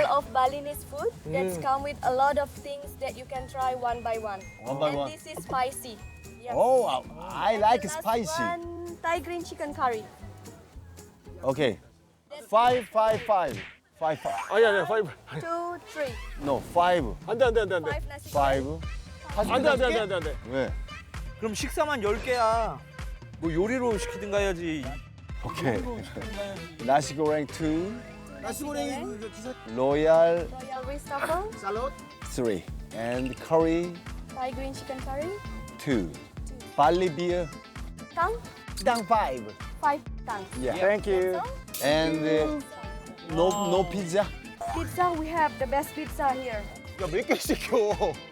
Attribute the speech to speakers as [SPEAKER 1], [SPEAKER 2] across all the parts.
[SPEAKER 1] of Balinese food that's come with a lot of things that you can try one by one.
[SPEAKER 2] One by
[SPEAKER 1] and
[SPEAKER 2] one.
[SPEAKER 1] this is spicy. Yes.
[SPEAKER 2] Oh, I like
[SPEAKER 1] The last
[SPEAKER 2] spicy.
[SPEAKER 1] one, Thai green chicken curry.
[SPEAKER 2] Okay. 555. 55.
[SPEAKER 3] 아니야, 파이브.
[SPEAKER 1] 2, 3.
[SPEAKER 2] No, 5.
[SPEAKER 3] 안 돼, 안 돼, 안 돼, 안 돼.
[SPEAKER 1] 5 nasi goreng.
[SPEAKER 2] 5.
[SPEAKER 3] 안 돼, 안 돼, 안 돼, 안 돼, 안 돼.
[SPEAKER 2] 왜?
[SPEAKER 4] 그럼 식사만 10개야. 뭐 요리로 시키든가 해야지.
[SPEAKER 2] 오케이. 나시 고랭 2.
[SPEAKER 5] 나시고랭이 그 기사
[SPEAKER 2] 로얄
[SPEAKER 1] Royal rice truffle.
[SPEAKER 5] 샐러드
[SPEAKER 2] 3. And curry
[SPEAKER 1] Thai green chicken curry.
[SPEAKER 2] 2. barley beer
[SPEAKER 1] Tang.
[SPEAKER 2] 땅 5.
[SPEAKER 1] 5 tang.
[SPEAKER 2] Yeah. Thank you. And no pizza.
[SPEAKER 1] Pizza, we have the best pizza here.
[SPEAKER 5] 야몇 개 시켜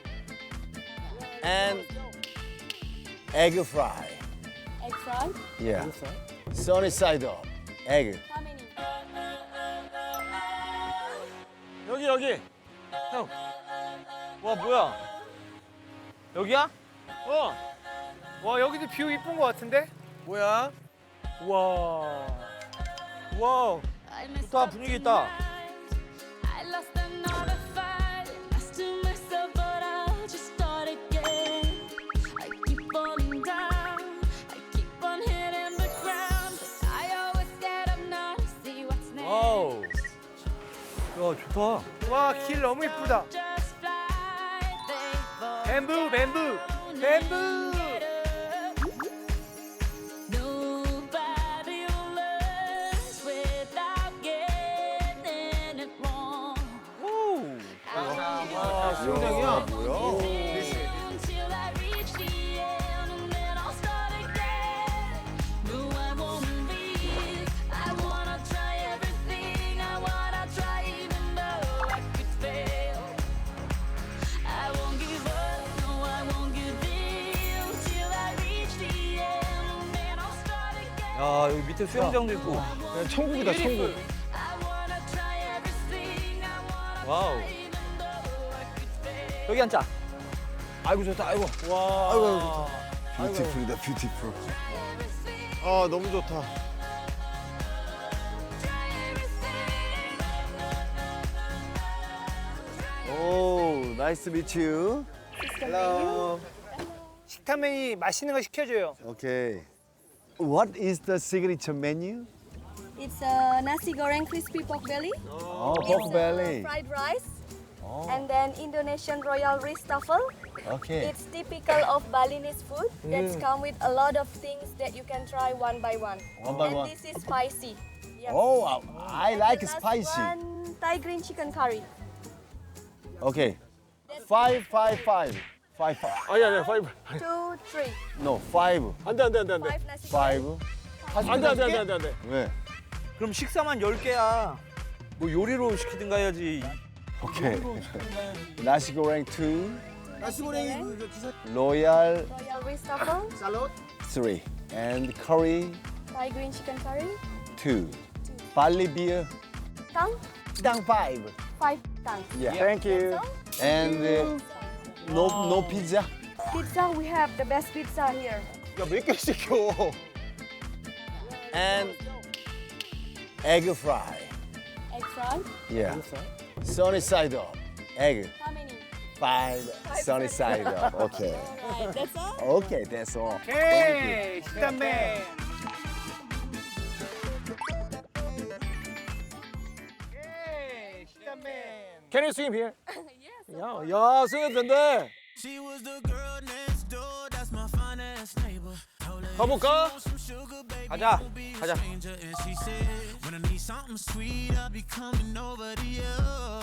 [SPEAKER 2] And egg fry.
[SPEAKER 1] Egg fry.
[SPEAKER 2] Yeah. Sunny side up. Egg.
[SPEAKER 1] How many?
[SPEAKER 3] 여기, 여기. 형.
[SPEAKER 4] 와 뭐야? 여기야?
[SPEAKER 3] 와, 여기도 뷰 이쁜 거 같은데?
[SPEAKER 4] 뭐야? 와. 와. 좋다 분위기 있다.
[SPEAKER 6] I lost another fight. Lost to myself, but I'll just start again. I keep falling down. I keep on hitting the ground. But I always get up now to see what's next.
[SPEAKER 4] 와우. 야 좋다.
[SPEAKER 3] 와, 길 너무 이쁘다.
[SPEAKER 6] Just fly. They fall
[SPEAKER 3] 뱀부, 뱀부,
[SPEAKER 6] down
[SPEAKER 3] 뱀부.
[SPEAKER 6] and get up. Nobody learns without getting it wrong.
[SPEAKER 3] 수영장이야.
[SPEAKER 6] Until I reach the end, and then I'll start again. No, I won't leave. I wanna try everything. I wanna try even though I could fail. I won't give up. No, I won't give in till I reach the end, and then I'll start again.
[SPEAKER 4] 야 여기 밑에 수영장도 있고.
[SPEAKER 3] 천국이다, 천국.
[SPEAKER 6] I wanna try everything. I wanna
[SPEAKER 4] 와우.
[SPEAKER 6] try even though I could fail.
[SPEAKER 4] 여기 앉자. 아이고 좋다. 아이고.
[SPEAKER 3] 와.
[SPEAKER 2] Beautiful이다, beautiful.
[SPEAKER 5] 아 너무 좋다
[SPEAKER 2] Oh, nice to meet you.
[SPEAKER 1] Hello.
[SPEAKER 3] 식탐 메뉴 맛있는 거 시켜줘요.
[SPEAKER 2] Okay. What is the signature menu?
[SPEAKER 1] It's a nasi goreng crispy pork belly.
[SPEAKER 2] Oh,
[SPEAKER 1] It's
[SPEAKER 2] pork belly.
[SPEAKER 1] fried rice. And then Indonesian royal rice truffle.
[SPEAKER 2] Okay.
[SPEAKER 1] It's typical of Balinese food that's come with a lot of things that you can try one by one.
[SPEAKER 2] One by
[SPEAKER 1] and
[SPEAKER 2] one.
[SPEAKER 1] this is spicy. Yes.
[SPEAKER 2] Oh, I like
[SPEAKER 1] The last
[SPEAKER 2] spicy.
[SPEAKER 1] one, Thai green chicken curry.
[SPEAKER 2] Okay. 555. 55.
[SPEAKER 3] 아니야, 아니야, 파이브.
[SPEAKER 1] 2, 3.
[SPEAKER 2] No, 5.
[SPEAKER 3] 안 돼, 안 돼, 안 돼, 안 돼.
[SPEAKER 1] 5 nasi goreng.
[SPEAKER 2] 5.
[SPEAKER 3] 안 돼, 안 돼, 안 돼, 안 돼, 안 돼.
[SPEAKER 2] 왜?
[SPEAKER 4] 그럼 식사만 10개야. 뭐 요리로 시키든가 해야지.
[SPEAKER 2] 오케이. 나시 고랭 2.
[SPEAKER 5] 나시고랭이 그 기사
[SPEAKER 2] 로얄
[SPEAKER 1] Royal rice truffle.
[SPEAKER 5] 샐러드
[SPEAKER 2] 3. And curry
[SPEAKER 1] Thai green chicken curry.
[SPEAKER 2] 2. barley beer
[SPEAKER 1] Tang.
[SPEAKER 2] 땅 5.
[SPEAKER 1] 5 tang.
[SPEAKER 2] Yeah. Thank you. And no pizza.
[SPEAKER 1] Pizza, we have the best pizza here.
[SPEAKER 5] 야몇 개 시켜
[SPEAKER 2] And egg fry.
[SPEAKER 1] Egg fry.
[SPEAKER 2] Yeah. Sunny side up. Egg.
[SPEAKER 1] How many?
[SPEAKER 2] 5. Sunny side up. Okay.
[SPEAKER 1] Alright, that's all.
[SPEAKER 2] Okay, that's all.
[SPEAKER 3] 오케이, 식탐맨. 오케이, 식탐맨. Can you swim here?
[SPEAKER 1] Yes.
[SPEAKER 3] 야, 수영 된대.
[SPEAKER 7] She was the girl next door, that's my finest neighbor. Told her
[SPEAKER 3] 가볼까?
[SPEAKER 7] some sugar, baby,
[SPEAKER 4] 가자.
[SPEAKER 7] don't be a
[SPEAKER 4] 가자.
[SPEAKER 7] stranger. And she said, when I need something sweet, I'll be coming over to you.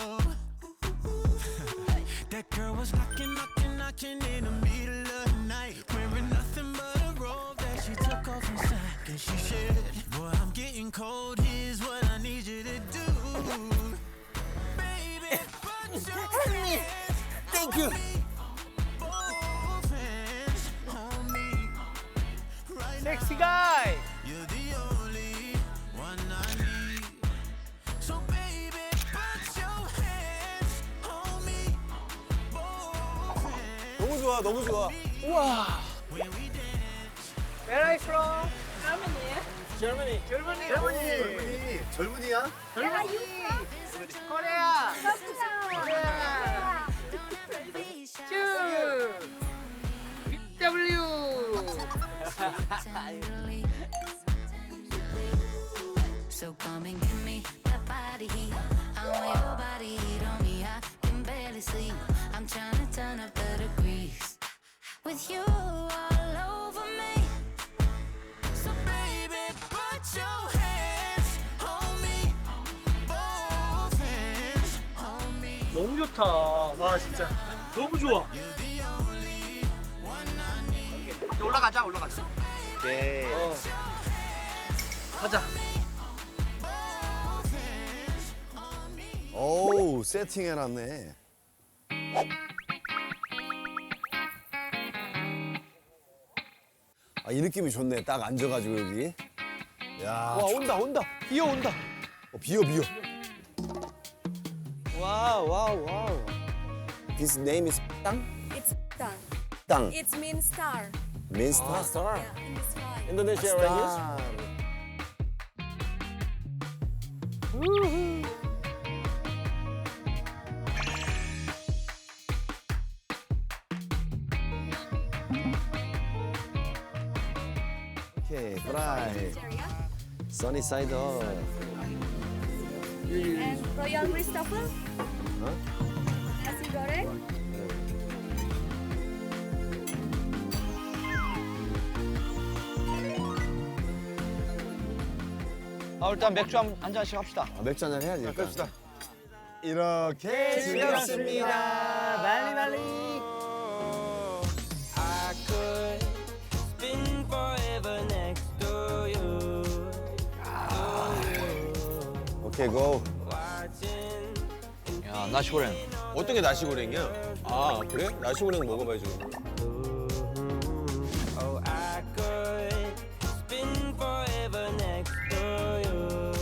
[SPEAKER 7] That girl was knocking in the middle of the night, wearing nothing but a robe that she took off inside. And she said, boy, I'm getting cold, here's what I need you to do. Baby, put your hands
[SPEAKER 5] 땡큐
[SPEAKER 7] on me. Both hands on me. Right now,
[SPEAKER 3] 섹시 가이.
[SPEAKER 7] you're the only one I need. So baby, put your hands on me. Both hands
[SPEAKER 5] 너무 좋아 너무 좋아
[SPEAKER 7] when we dance.
[SPEAKER 3] Where are you from?
[SPEAKER 1] Germany.
[SPEAKER 3] Germany. Germany.
[SPEAKER 5] 젊은이 젊은이야?
[SPEAKER 1] Where are you from?
[SPEAKER 3] Korea. 너무 좋다. 와 진짜 너무 좋아.
[SPEAKER 4] 올라가자.
[SPEAKER 5] 오케이.
[SPEAKER 4] 가자.
[SPEAKER 2] 오우, 세팅해놨네. 아, 이 느낌이 좋네. 딱 앉아가지고 여기. 야,
[SPEAKER 5] 와 온다. 비어 온다.
[SPEAKER 2] 비어.
[SPEAKER 5] 와우.
[SPEAKER 2] His name is 땅?
[SPEAKER 1] It's Tang.
[SPEAKER 2] 땅.
[SPEAKER 1] It means star.
[SPEAKER 2] Means star.
[SPEAKER 5] 스타.
[SPEAKER 1] Yeah, in the sky.
[SPEAKER 5] 인도네시아 랭귀지.
[SPEAKER 2] 오케이, 프라이.
[SPEAKER 1] Area.
[SPEAKER 2] Sunny side up.
[SPEAKER 1] And Royal Christopher. Nasi goreng.
[SPEAKER 4] 일단 맥주 한 잔씩 합시다.
[SPEAKER 2] 아, 맥주 한잔 해야지. 일단.
[SPEAKER 5] 갑시다.
[SPEAKER 2] 이렇게
[SPEAKER 5] 즐겼습니다. 말리.
[SPEAKER 7] I could spend forever next to you.
[SPEAKER 2] 오케이, 고.
[SPEAKER 7] Watching
[SPEAKER 4] 야, 나시고랭.
[SPEAKER 5] 어떻게 나시고랭이야? 아 그래? 나시고랭 먹어봐야지.
[SPEAKER 7] Oh, I could spend forever next to you,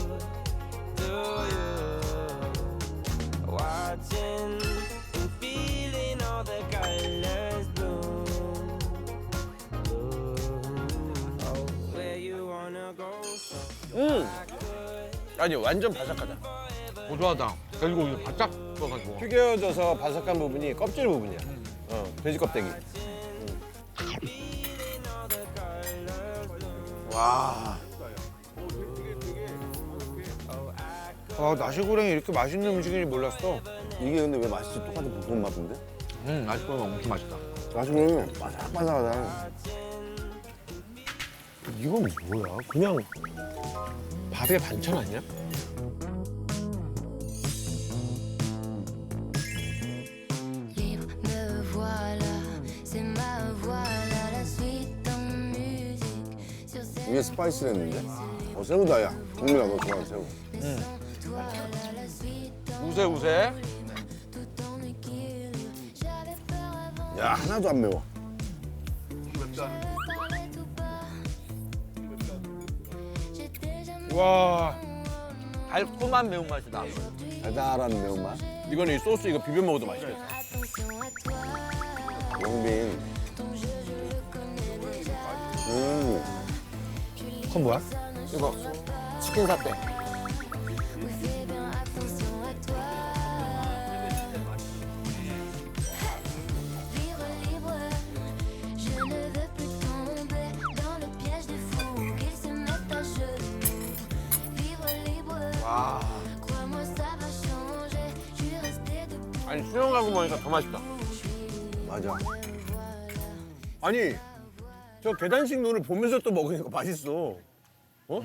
[SPEAKER 7] watching and feeling all the colors bloom. Oh, where you wanna go?
[SPEAKER 5] 아니 완전 바삭하다.
[SPEAKER 4] 고소하다. 그리고 이거 바짝 구워가지고.
[SPEAKER 5] 튀겨져서 바삭한 부분이 껍질 부분이야. 돼지 껍데기. 와. 아 나시고랭이 이렇게 맛있는 음식인지 몰랐어.
[SPEAKER 2] 이게 근데 왜 맛있지? 똑같은 볶음 맛인데?
[SPEAKER 4] 나시고랭 엄청 맛있다.
[SPEAKER 2] 나시고랭이 바삭바삭하다.
[SPEAKER 5] 이건 뭐야? 그냥 밥에 반찬 아니야?
[SPEAKER 6] Libre, me voilà, c'est ma voilà, la suite en musique. Sur cette
[SPEAKER 2] 이게 스파이스랬는데? 새우다, 야. 국민아, 너 좋아하는 새우.
[SPEAKER 6] toile, la suite en
[SPEAKER 4] 우세.
[SPEAKER 6] tout en équilibre. J'avais peur avant,
[SPEAKER 2] 야, 하나도 안 매워.
[SPEAKER 6] parlait tout bas. J'étais jamais
[SPEAKER 5] 와.
[SPEAKER 4] 달콤한 매운맛이다.
[SPEAKER 2] 달달한 매운맛.
[SPEAKER 5] 이거는 이 소스 이거 비벼 먹어도 맛있겠다.
[SPEAKER 6] attention à toi.
[SPEAKER 2] 영빈.
[SPEAKER 6] Ton jeu, je le connais déjà.
[SPEAKER 5] 그건 뭐야? 이거 치킨 사태.
[SPEAKER 6] Oui, fais bien attention à toi. Vivre libre, je ne veux plus tomber dans le piège des fous qu'ils se mettent à genoux. Vivre libre, crois-moi ça va changer. Je suis restée debout.
[SPEAKER 5] 아니 수영하고 먹으니까 더 맛있다.
[SPEAKER 2] 맞아.
[SPEAKER 5] 아니 저 계단식 눈을 보면서 또 먹으니까 맛있어. 어?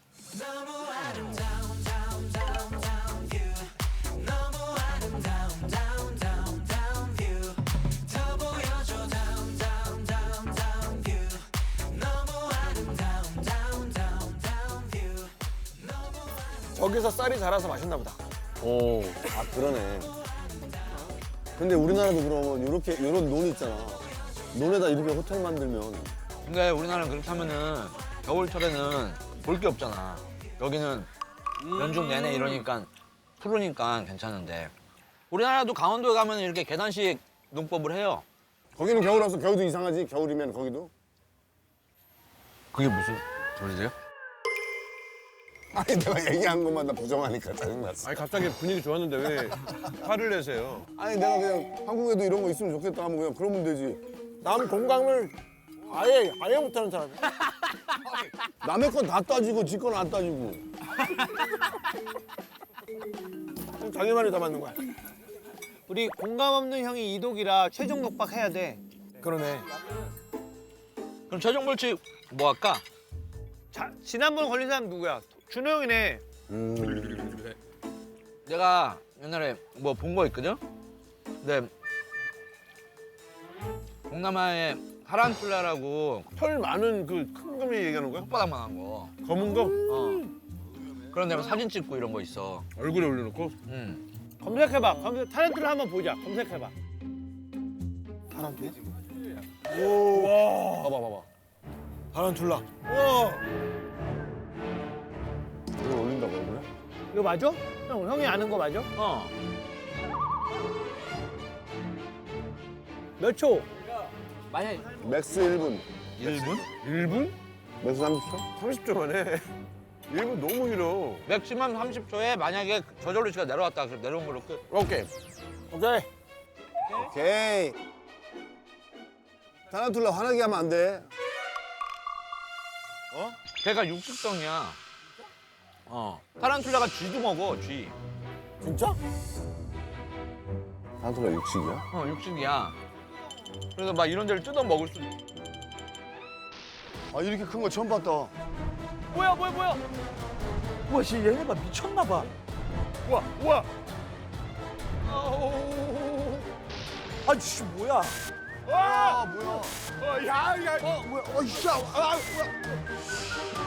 [SPEAKER 5] 저기서 쌀이 자라서 맛있나 보다.
[SPEAKER 2] 오, 아, 그러네. 근데 우리나라도 그러면 요런 논 있잖아. 논에다 이렇게 호텔 만들면.
[SPEAKER 4] 근데 우리나라는 그렇게 하면은 겨울철에는 볼 게 없잖아. 여기는 연중 내내 이러니까 푸르니까 괜찮은데 우리나라도 강원도에 가면 이렇게 계단식 농법을 해요.
[SPEAKER 2] 거기는 겨울 와서 겨울도 이상하지? 겨울이면 거기도?
[SPEAKER 4] 그게 무슨 소리세요?
[SPEAKER 2] 아니, 내가 얘기한 것만 다 부정하니까 짜증났어.
[SPEAKER 5] 아니 갑자기 분위기 좋았는데 왜 화를 내세요?
[SPEAKER 2] 아니, 내가 그냥 한국에도 이런 거 있으면 좋겠다 하면 그냥 그러면 되지.
[SPEAKER 5] 남 공감을 아예 못하는 사람이야.
[SPEAKER 2] 남의 건 다 따지고 지 건 안 따지고.
[SPEAKER 5] 자기 말이 다 맞는 거야.
[SPEAKER 3] 우리 공감 없는 형이 이독이라 최종 독박 해야 돼.
[SPEAKER 5] 그러네.
[SPEAKER 4] 그럼 최종 벌칙 뭐 할까?
[SPEAKER 3] 자, 지난번 걸린 사람 누구야? 준호 형이네.
[SPEAKER 4] 내가 옛날에 뭐 본 거 있거든? 근데 동남아에 타란툴라라고
[SPEAKER 2] 털 많은 그 큰 거미 얘기하는 거야?
[SPEAKER 4] 혓바닥만한 거.
[SPEAKER 2] 검은 거?
[SPEAKER 4] 그런 데면 사진 찍고 이런 거 있어.
[SPEAKER 2] 얼굴에 올려놓고?
[SPEAKER 3] 검색해봐. 타렌툴라 한번 보자. 검색해봐.
[SPEAKER 2] 봐봐.
[SPEAKER 3] 타렌툴라.
[SPEAKER 2] 이걸 올린다고 얼굴에?
[SPEAKER 3] 이거 맞아? 형이 아는 거 맞아?
[SPEAKER 4] 어.
[SPEAKER 3] 몇 초?
[SPEAKER 4] 만약에
[SPEAKER 2] 맥스 1분.
[SPEAKER 4] 1분?
[SPEAKER 2] 1분? 맥스 30초?
[SPEAKER 5] 30초 만에 1분 너무 길어.
[SPEAKER 4] 맥시멈 30초에 만약에 저절로 시간 내려왔다. 그럼 내려온 걸로 끝.
[SPEAKER 2] 오케이.
[SPEAKER 3] 오케이.
[SPEAKER 2] 오케이. 타란툴라 화나게 하면 안 돼.
[SPEAKER 4] 걔가 육식성이야. 타란툴라가 쥐도 먹어, 쥐.
[SPEAKER 3] 진짜?
[SPEAKER 2] 타란툴라 육식이야?
[SPEAKER 4] 육식이야. 그래서 막 이런 데를 뜯어 먹을 수.
[SPEAKER 2] 아 이렇게 큰 거 처음 봤다.
[SPEAKER 3] 뭐야?
[SPEAKER 8] 우와, 씨, 얘네가 미쳤나 봐.
[SPEAKER 5] 우와.
[SPEAKER 8] 아씨, 뭐야?
[SPEAKER 2] 아 뭐야?
[SPEAKER 5] 야.
[SPEAKER 2] 뭐야? 야. 아 뭐야?